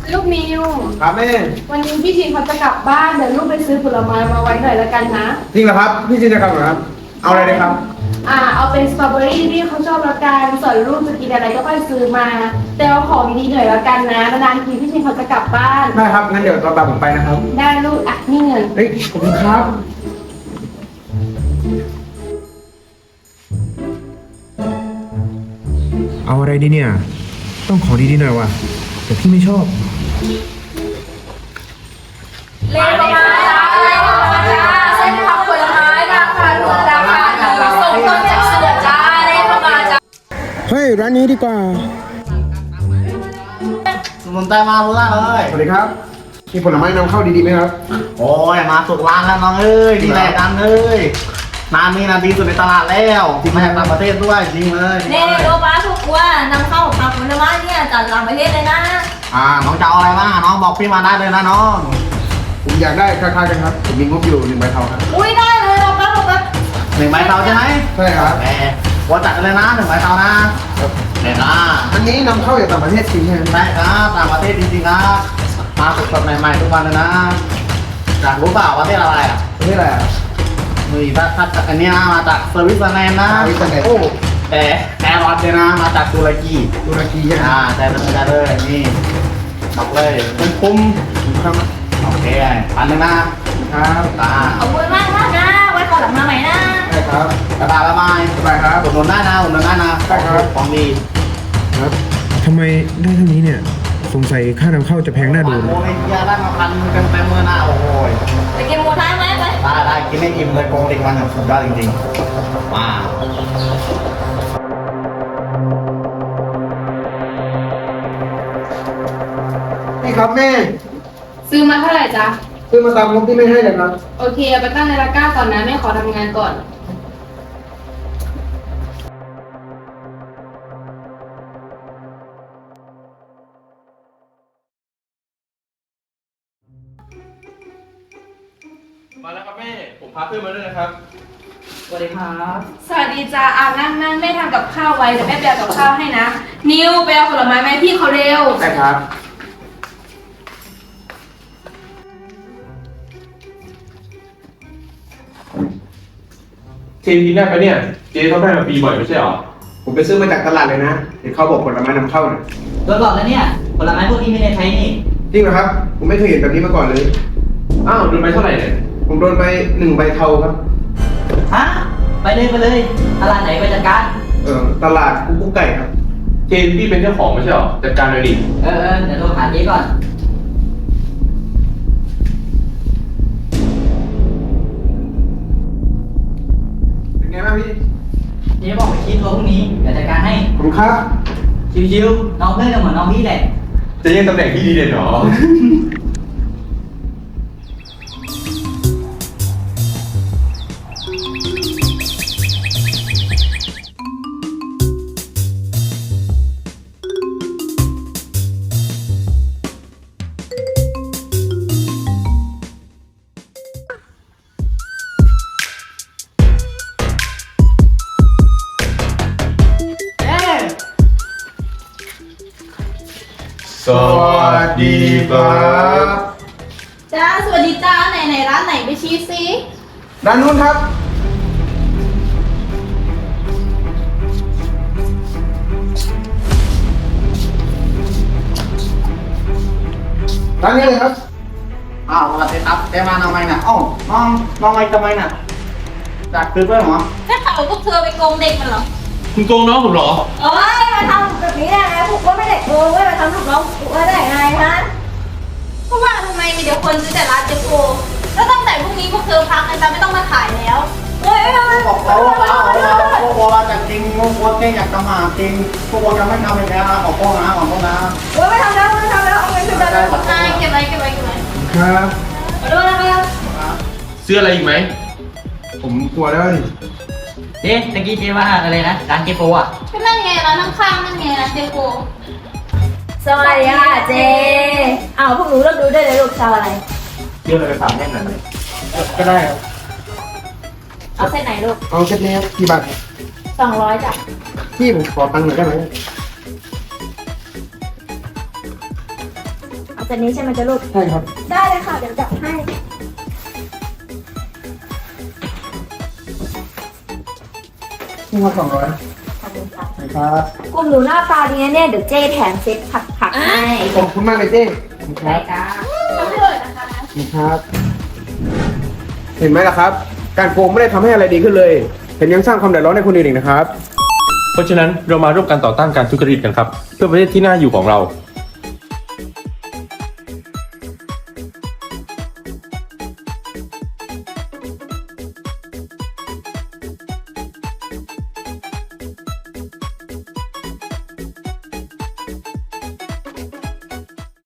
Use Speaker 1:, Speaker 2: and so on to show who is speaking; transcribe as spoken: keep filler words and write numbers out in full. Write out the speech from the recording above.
Speaker 1: ลูกมิว
Speaker 2: ครับแม่
Speaker 1: วันนี้พี่ชินเขาจะกลับบ้านเดี๋ยวลูกไปซื้อผลไม้มาไว้หน่อยแล้วกันนะ
Speaker 2: จริงเหรอครับพี่จินจะกลับเหรอครับเอาอะไรเลยครับ
Speaker 1: อ่าเอาเป็นสตรอเบอรี่ที่เขาชอบแล้วกันส่วนลูกจะกินอะไรก็ค่อยซื้อมาแต่เอาของดีๆหน่อยแล้วกันนะนานๆทีพี่ชินเขาจะกลับบ้าน
Speaker 2: ได้ครับงั้นเดี๋ยวตอนบ่ายผมไปนะครับ
Speaker 1: ได้ลูกอ่ะนี่เงิน
Speaker 2: เฮ้ยขอบคุณครับ
Speaker 3: เอาอะไรดีเนี่ยต้องขอดีๆหน่อยว่ะแต่พี่ไม่ชอบ
Speaker 4: เล่นมาจ้าเล่นมาจ้าเส้นผักผลไม้ราคาถูกราคาดีส่งตรงจากเสือจ้าเล่นมาจ้า
Speaker 3: เฮ้ยร้านนี้ดีกว่า
Speaker 5: สมุนไพรมาล่าเลย
Speaker 2: สวัสดีครับมีผลไม้นำเข้าดีๆไหมครับ
Speaker 5: โอ้ยมาสุกร้านแล้วน้องเอ้ยดีแหละกันเอ้ยน้ำนี่นะดีสุดในตลาดแล้วที่มาจากต่างประเทศด้วยจริงเลย
Speaker 4: เน่โรบ้าถูกว่านำเข้าผักผลไม้เนี่ยจากต่างประเทศเลยนะ
Speaker 5: อ่าน้องจะเอาอะไรบ้างน้องบอกพี่มาได้เลยนะน้อง
Speaker 2: ผมอยากได้คล้ายๆกันครับผมมีงบอยู่หนึ่งใบเทาครับ
Speaker 4: อุ้ยได้เลยโรบ้าโรบ้า
Speaker 5: หนึ่งใบเตาใช่ไหม
Speaker 2: ใช่ครับ
Speaker 5: แหมว่าจัดเลยนะหนึ่งใบเตานะเห็นนะ
Speaker 2: อันนี้นำเข้าจากต่างประเทศจริงใช่ไหม
Speaker 5: ใช่ครับต่างประเทศจริงๆนะมาสดๆใหม่ๆทุกวันเลยนะจากรู้เปล่าประเทศอะไรอ่ะ
Speaker 2: ประเทศอะไรอ่ะ
Speaker 5: นี่ถ้าถ้าอันนี้นะมาจากสวิตเซอร์แลนด์นะ
Speaker 2: สวิตเซอร์แลนด์
Speaker 5: โอ้แต่แอร์รอดเลยนะมาจากตุรกี
Speaker 2: ตุรกีใช่ไหม
Speaker 5: อ่าใช่เลยใช่เลยนี่บอกเลยคุ้มคุ้มครับโอเคพันหนึ่งนะครับตา
Speaker 4: ขอบคุณมากมากนะไว้ขอหลังมาใหม่นะ
Speaker 2: ใช่ครับ
Speaker 5: กระดาษละไม้
Speaker 2: สบายครับ
Speaker 5: อุดหนุนได้นะอุดหนุนได้นะ
Speaker 2: ใช่ครับ
Speaker 5: ของดี
Speaker 3: ครับทำไมได้เท่านี้เนี่ยสงสัยค่านำเข้าจะแพงน่าดู
Speaker 5: โอ้ยเฮียได้มาพันเต็มเต็มมือนะโอ้ย
Speaker 4: ไปกินหมูท้ายไหมไป
Speaker 5: ได้ได้กินให้อิ่มเลยโกงเด็กมันสุดยอดจริงๆว้าว
Speaker 2: นี่ครับแม่
Speaker 1: ซื้อมาเท่าไหร่จ๊ะ
Speaker 2: ซื้อมาตามงบที่ไม่ให้เลยครับ
Speaker 1: โอเคเอาไปตั้งในตะกร้าก่อนนะแม่ขอทำงานก่อน
Speaker 6: มาแล้วครับแม่ผมพาเพื่อนมาด้วยนะครับ
Speaker 5: สวัสดีครับ
Speaker 1: สวัสดีจ้าอ่านั่งนั่งแม่ทำกับข้าวไว้เดี๋ยวแม่ไปเอากับข้าวให้นะนิวไปเอาผลไม้ไหมพี่เขาเร็ว
Speaker 2: ใช่ครับ
Speaker 6: เจนกินได้ปะเนี่ยเจนเขาได้มาปีบ่อยไม่ใช่หรอ
Speaker 2: ผมไปซื้อมาจากตลาดเลยนะเห็นเขาบอกผลไม้นำเข้าเนี่ย
Speaker 5: โดนหลอกแล้วเนี่ยผลไม้พวกนี้ไม่ได้ใช้นี่
Speaker 2: จริงเหรอครับผมไม่เคยเห็นแบบนี้มาก่อนเลย
Speaker 6: อ้าวโดนไปเท่าไหร่เนี่ย
Speaker 2: ผมโดนไปหนึ่งใบเทาครับ
Speaker 5: ฮะไปเลยไปเลยตลาดไหนไปจัดการ
Speaker 2: เออตลาดกุ๊กกุ๊กไก่ครับ
Speaker 6: เจนพี่เป็นเจ้าของไม่ใช่หรอจัดการเลยดิ
Speaker 5: เออเออเดี๋ยวโทรหาเจ๊ก่อน
Speaker 2: เป็นไงบ้างพี่
Speaker 5: เจ๊บอกไปคิดตัวพรุ่งนี้เดี๋ยวจัดการให้
Speaker 2: ขอบคุณครับ
Speaker 5: ชิวๆน้องเพื่อนก็เหมือนน้องพี่แหละ
Speaker 6: จะยังตำแหน่งที่ดีเด่นหรอสวัสดีครับ
Speaker 4: จ้าสวัสดีจ้าไหนไหนร้านไหนไปชี้ซิ
Speaker 2: ด้านนู้นครับร้านนี้เลยครับ
Speaker 5: อ้าวสวัสดีครับเจ๊มาทำไมน่ะอ้าวน้องน้องมาทำไมน่ะจากซื้อเพื่อนเหรอ
Speaker 4: ถ้าเขาพวกเธอไปโกงเด็กมันเหรอ
Speaker 6: คุณโกงน้องผมเหรอ
Speaker 4: โอ้ยมาทำแบบนี้ได้ไงพวกว่าไม่ได้โกงเว้ยมาทำลูกน้องกูว่าได้ไงฮะเพราะว่าทำไมมีเดี๋ยวคนซื้อแต่ร้านเจ๊โกแล้วตั้งแต่พรุ่งนี้พวกเธอพักกันจะไม่ต้องมาขายแล้วเฮ้ย
Speaker 5: บอกเขาว่าเราเราพวกเราจะจริงพวกเราแค่อยากทำหาจริงพวกเราจะไม่ทำอีกแล้วนะขอโทษนะขอโทษนะ
Speaker 4: เฮ้ยไม่ทำแล้วไม่ทำแล้วเอาเงินคืนเลยเก็บไว้เก็บไว้เก็บไว้
Speaker 2: ครับ
Speaker 4: ขอโทษนะครับ
Speaker 6: ซื้ออะไรอีกไหม
Speaker 2: ผมกลัวแล้วดิ
Speaker 5: เจ๊ตะกี้เจ๊ว่าอะไรนะร้านเจ๊โปอ่ะ
Speaker 4: ก็นั่นไงร้านข้างๆนั่นไงร้านเจ๊โปสวัสดีค่ะเจ๊อ้าวพวกหนูเลิกดูได้เลยลูกชาวอะไร
Speaker 2: เรื่องอะไรสามแน่นหน่อยก็ได้ครับ
Speaker 4: เอาเส้นไหนลูก
Speaker 2: เอาเส้นนี้กี่บาท
Speaker 4: สองร้อยจ้ะ
Speaker 2: พี่ผมขอตังค์หน่อยได้ไหม
Speaker 4: เอาเซตนี้ใช่ไหมจ๊ะลูก
Speaker 2: ใช่ครับ
Speaker 4: ได้เลยค่ะ เดี๋ยวจับให้
Speaker 2: นี่ครับสองร้อย
Speaker 4: ขอบคุณค่ะ
Speaker 2: ครับ
Speaker 4: กลุ่มหนูหน้าตาดีนะเนี่ยเดี๋ยวเจ้แถมเซ็ตผักผักๆให้
Speaker 2: ขอบคุณมากเลยเจ้ขอบคุณครับ
Speaker 4: จ้าทำให้เลยนะคะ
Speaker 2: ขอบคุณครับ เห็นไหมล่ะครับ การโกงไม่ได้ทำให้อะไรดีขึ้นเลยเห็นยังสร้างความเดือดร้อนให้คนอื่นอีกนะครับ
Speaker 6: เพราะฉะนั้นเรามาร่วมกันต่อต้านการทุจริตกันครับ เพื่อประเทศที่น่าอยู่ของเรา